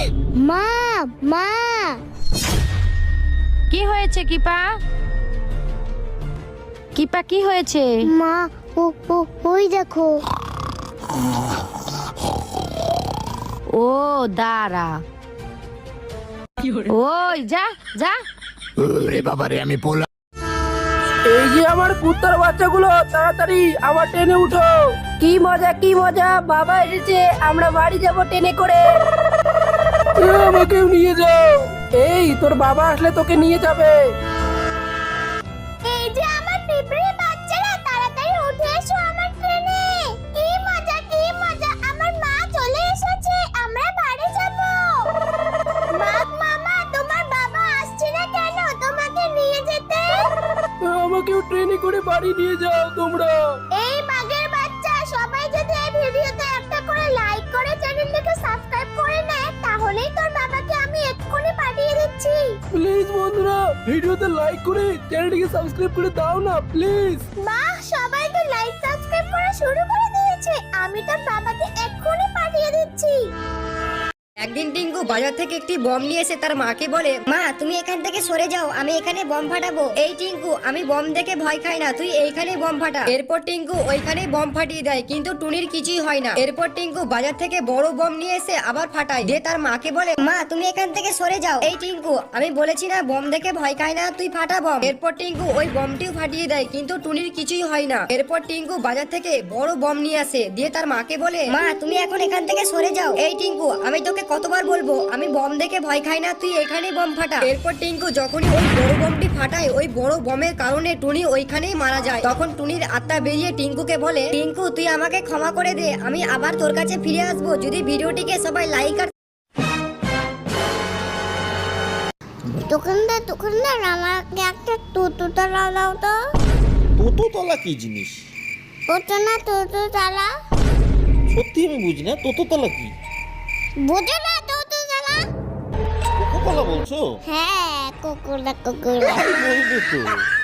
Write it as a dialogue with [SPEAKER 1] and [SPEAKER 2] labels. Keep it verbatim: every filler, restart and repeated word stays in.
[SPEAKER 1] মা মা
[SPEAKER 2] কি হয়েছে কিপা? কিপা কি হয়েছে?
[SPEAKER 1] মা ও ও ওই দেখো।
[SPEAKER 2] ও দাঁড়া, ওই যা যা।
[SPEAKER 3] ওরে বাবারে, আমি পোলা।
[SPEAKER 4] এই যে আমার কুত্তার বাচ্চাগুলো, তাড়াতাড়ি আবার ট্রেনে উঠো। কি মজা কি মজা, বাবা এসেছে, আমরা বাড়ি যাব ট্রেনে করে। এ, আমাকেও নিয়ে যাও। এই তোর বাবা আসলে তোকে নিয়ে যাবে।
[SPEAKER 1] এই যে আমার পিঁপড়ে বাচ্চারা, তাড়াতাড়ি উঠে এসো আমার ট্রেনে। কি মজা কি মজা, আমার মা চলে এসেছে, আমরা বাড়ি যাব। মা মামা, তোমার বাবা আসছে না কেন তোমাকে নিয়ে যেতে?
[SPEAKER 4] এ, আমাকেও ট্রেনে করে বাড়ি নিয়ে যাও তোমরা।
[SPEAKER 1] এই বাঘের বাচ্চা, সবাই যদি এই ভিডিওতে একটা করে লাইক করে চ্যানেলটাকে সাবস্ক্রাইব করে নেয়, তাহলেই তোর বাবাকে আমি এক্ষুনি পাঠিয়ে দিচ্ছি।
[SPEAKER 4] প্লিজ বন্ধুরা, ভিডিওতে লাইক করে চ্যানেলটিকে সাবস্ক্রাইব করে দাও না প্লিজ।
[SPEAKER 1] মা, সবাই তো লাইক সাবস্ক্রাইব করা শুরু করে দিয়েছে, আমি তোর বাবাকে এক্ষুনি পাঠিয়ে দিচ্ছি।
[SPEAKER 5] একদিন টিঙ্কু বাজার থেকে একটি বম নিয়ে এসে তার মাকে বলে, মা তুমি এখান থেকে সরে যাও, আমি এখানে বম ফাটাবো। এই টিঙ্কু, আমি বম দেখে ভয় খাই না, তুই এইখানে বম ফাটা। এরপর টিঙ্কু ওইখানে বম ফাটিয়ে দেয়, কিন্তু টুনির কিছুই হয় না। এরপর টিঙ্কু বাজার থেকে বড় বম নিয়ে এসে আবার ফাটায়, দিয়ে তার মাকে বলে, মা তুমি এখান থেকে সরে যাও। এই টিঙ্কু, আমি বলেছি না বম দেখে ভয় খাই না, তুই ফাটা বম। এরপর টিঙ্কু ওই বমটিও ফাটিয়ে দেয়, কিন্তু টুনির কিছুই হয় না। এরপর টিঙ্কু বাজার থেকে বড় বম নিয়ে আসে, দিয়ে তার মাকে বলে, মা তুমি এখন এখান থেকে সরে যাও। এই টিঙ্কু, আমি তোকে কতবার বলবো, আমি বম দেখে ভয় খাই না, তুই এখানেই বম ফাটা। এরপর টিঙ্কু যখনই ওই বড় বমটি ফাটায়, ওই বড় বমের কারণে টুনি ওইখানেই মারা যায়। তখন টুনির আত্মা বেরিয়ে টিঙ্কুকে বলে, টিঙ্কু তুই আমাকে ক্ষমা করে দে, আমি আবার তোর কাছে ফিরে আসবো যদি ভিডিওটিকে সবাই লাইক আর
[SPEAKER 1] দোকানদার দোকানদার, আমাকে একটা টুটু তালা দাও তো।
[SPEAKER 6] তোতো তলা কি জিনিস?
[SPEAKER 1] ওটা না টুটু তালা।
[SPEAKER 6] সত্যি আমি বুঝি না, তোতো তলা কি?
[SPEAKER 1] বুঝো না টুটু তালা?
[SPEAKER 6] কোকো কলা বলছো?
[SPEAKER 1] হ্যাঁ, কুকুরা কুকুরা।
[SPEAKER 6] বলবে তো।